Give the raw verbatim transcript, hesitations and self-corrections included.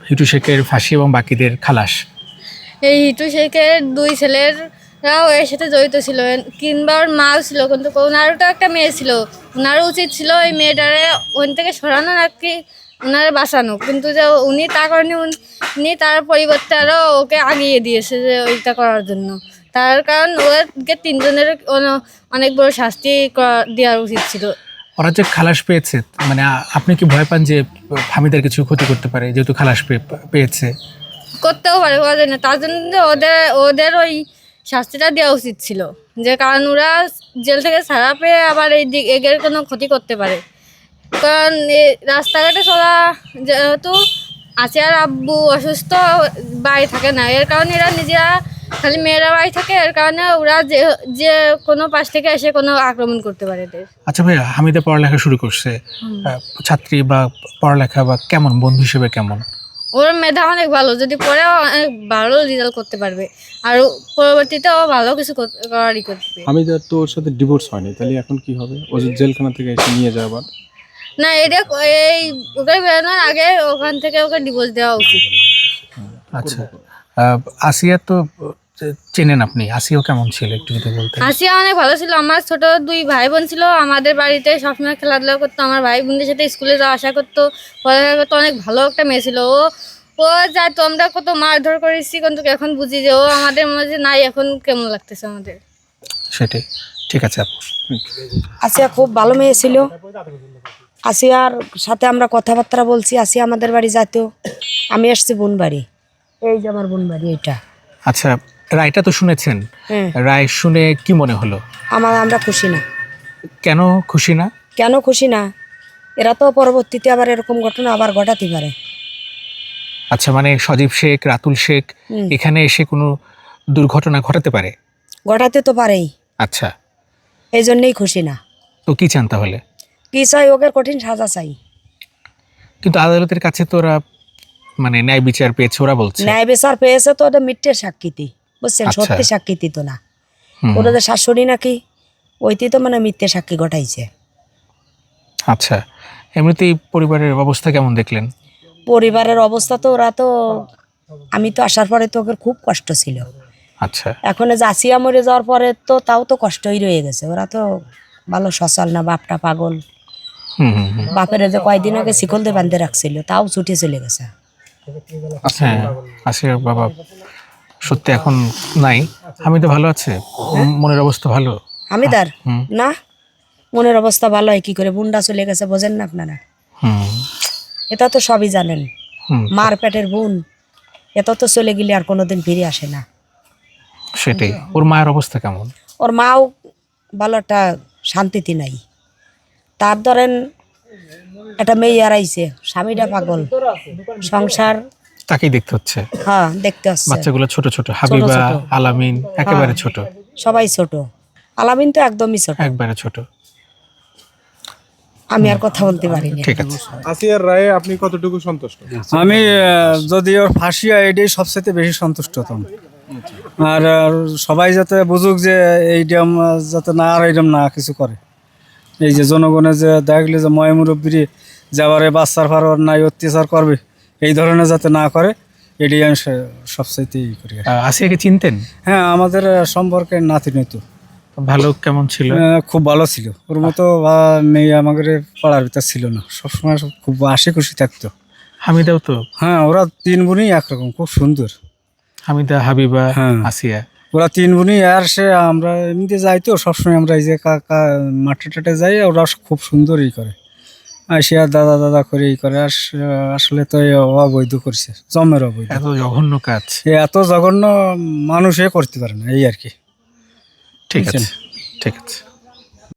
হিটু শেখের ফাঁসি এবং বাকিদের খালাস। এই হিটু শেখের দুই ছেলেরাও এর সাথে জড়িত ছিল, কিংবা ওর মাও ছিল, কিন্তু ওনারও তো একটা মেয়ে ছিল। ওনারও উচিত ছিল ওই মেয়েটারে ওখান থেকে সরানো আর কি, ওনারে বাঁচানো, কিন্তু যে উনি তা করেনি। উনি তার পরিবর্তে আরও ওকে আগিয়ে দিয়েছে যে ওইটা করার জন্য। তার কারণ ওকে তিনজনের অনেক বড় শাস্তি দেওয়ার উচিত ছিল। ওরা যে খালাস পেয়েছে, মানে আপনি কি ভয় পান যে হামিদার কিছু ক্ষতি করতে পারে, যেহেতু খালাস পেয়েছে? করতেও পারে, বলা যায় না। তার জন্য ওদের ওদের ওই শাস্তিটা দেওয়া উচিত ছিল, যে কারণ ওরা জেল থেকে ছাড়া পেয়ে আবার এই দিক এগের কোনো ক্ষতি করতে পারে। কারণ এই রাস্তাঘাটে চলা, যেহেতু আসিয়ার আব্বু অসুস্থ, বাড়ি থাকে না, এর কারণে এরা নিজেরা খালি মেয়েরা বাড়ি থাকে, এর কারণে ওরা যে যে কোনো পাশ থেকে এসে কোনো আক্রমণ করতে পারে এদের। আচ্ছা ভাইয়া, হামিদা পড়ালেখা শুরু করছে, ছাত্রী বা পড়ালেখা বা কেমন, বন্ধু হিসেবে কেমন? ওর মেধা অনেক ভালো, যদি পড়ে অনেক ভালো রেজাল্ট করতে পারবে, আর পরবর্তীতে ও ভালো কিছু করারই করবে। হামিদার তো ওর সাথে ডিভোর্স হয়নি, তাহলে এখন কি হবে? ও জেলখানা থেকে এসে নিয়ে যাওয়া আবার? না, এটা এই ওকে বেরোনোর আগে ওখান থেকে ওকে ডিভোর্স দেওয়া উচিত। আচ্ছা, আসিয়া তো চেনেন আপনি, আসিয়াও কেমন ছিল একটু যদি বলতেন? আসিয়া অনেক ভালো ছিল। আমার ছোট দুই ভাই বোন ছিল, আমাদের বাড়িতে সবসময় খেলাধুলা করতো, আমার ভাই বোনদের সাথে স্কুলে যাওয়া আসা করতো, পড়ালেখা করতো। অনেক ভালো একটা মেয়ে ছিল ও। ও যা তো আমরা কত মারধর করেছি, কিন্তু এখন বুঝি যে ও আমাদের মাঝে নাই। এখন কেমন লাগতেছে আমাদের সেটাই। ঠিক আছে আপু। আসিয়া খুব ভালো মেয়ে ছিল। আসিয়ার সাথে আমরা কথাবার্তা বলছি। আসিয়া আমাদের বাড়ি যেত, আমি আসছি বোন বাড়ি, এই যে আমার বোন বাড়ি এটা। আচ্ছা, রায়টা তো শুনেছেন, হ্যাঁ। রায় শুনে কি মনে হলো? আমার আমরা খুশি না। কেন খুশি না? কেন খুশি না? এরা তো পরবর্তীতে আবার এরকম ঘটনা আবার ঘটাতে পারে। আচ্ছা, মানে সজীব শেখ, রাতুল শেখ এখানে এসে কোনো দুর্ঘটনা ঘটাতে পারে? ঘটাতে তো পারেই। আচ্ছা, এই জন্যেই খুশি না। তো কি চান তাহলে? কি চাই? ওকে কঠিন সাজা চাই। কিন্তু আদালতের কাছে তো ওরা মানে ন্যায় বিচার পেয়েছে, ওরা বলছে। ন্যায় বিচার পেয়েছে তো ওদের মিথ্যের সাক্ষীতি, বুঝছেন? সত্যি সাক্ষীতি তো না। ওদের শাশুড়ি নাকি ওইটি তো মানে মিথ্যে সাক্ষী ঘটাইছে। আচ্ছা, এমনিতেই পরিবারের অবস্থা কেমন দেখলেন? পরিবারের অবস্থা তো ওরা তো, আমি তো আসার পরে তো ওদের খুব কষ্ট ছিল। আচ্ছা, এখন যে আসিয়া মরে যাওয়ার পরে তো তাও তো কষ্টই রয়ে গেছে। ওরা তো ভালো সচল না, বাপটা পাগল। বাপের যে কয়দিন আগে শিকল দিয়ে বাঁধতে রাখছিল, তাও ছুটে চলে গেছে। হ্যাঁ, আসিয়ার বাবা সত্যি এখন নাই। হামিদা ভালো আছে? মনের অবস্থা ভালো? হামিদার না, মনের অবস্থা ভালো হয় কি করে? বুন্ডা চলে গেছে, বোঝেন না আপনারা? এটা তো সবই জানেন। মার পেটের বোন, এটা তো চলে গেলে আর কোনোদিন ফিরে আসে না। সেটাই। ওর মায়ের অবস্থা কেমন? ওর মাও ভালো একটা শান্তিতে নাই। তার ধরেন একটা মেয়ে হারাইছে, স্বামীটা পাগল, সংসার তাকেই দেখতে হচ্ছে। হ্যাঁ, দেখতে হচ্ছে। বাচ্চাগুলো ছোট ছোট, হাবিবা, আলামিন একেবারে ছোট। সবাই ছোট, আলামিন তো একদমই ছোট, একবারে ছোট। আমি আর কথা বলতে পারি না। ঠিক আছে। আসিয়ার রায়ে আপনি কতটুকু সন্তুষ্ট? আমি যদি ওর ফাঁসি হয় এটাই সবচেয়ে বেশি সন্তুষ্ট হতাম। আর সবাই যাতে বুঝুক যে এইরকম যাতে না আর এইরকম না কিছু করে। এই যে জনগণের যে দেখলে যে ময় মুরব্বী যাবারে বাচ্চার ফারোয়ার নাই অত্যাচার করবে, এই ধরনের যাতে না করে, এটাই আমি সবচাইতে ই করি। আসিয়াকে চিনতেন? হ্যাঁ, আমাদের সম্পর্কে নাতি নইতো। ভালো কেমন ছিল? খুব ভালো ছিল। ওর মতো মেয়ে আমাদের পাড়ার ভিতর ছিল না, সবসময় খুব হাসি খুশি থাকতো। হামিদাও তো? হ্যাঁ, ওরা তিন বোনই একরকম, খুব সুন্দর। হামিদা, হাবিবা, হ্যাঁ, আসিয়া, ওরা তিন বোনই। আর সে আমরা এমনিতে যাই তো সবসময়, আমরা এই যে কাকা মাঠে টাটে যাই, ওরা খুব সুন্দর ই করে, সে আর দাদা দাদা করে ই করে। আর আসলে তো অবৈধ করছে, জমের অবৈধ। এত জঘন্য কাজ এত জঘন্য মানুষে করতে পারে না, এই আর কি। ঠিক আছে, ঠিক আছে।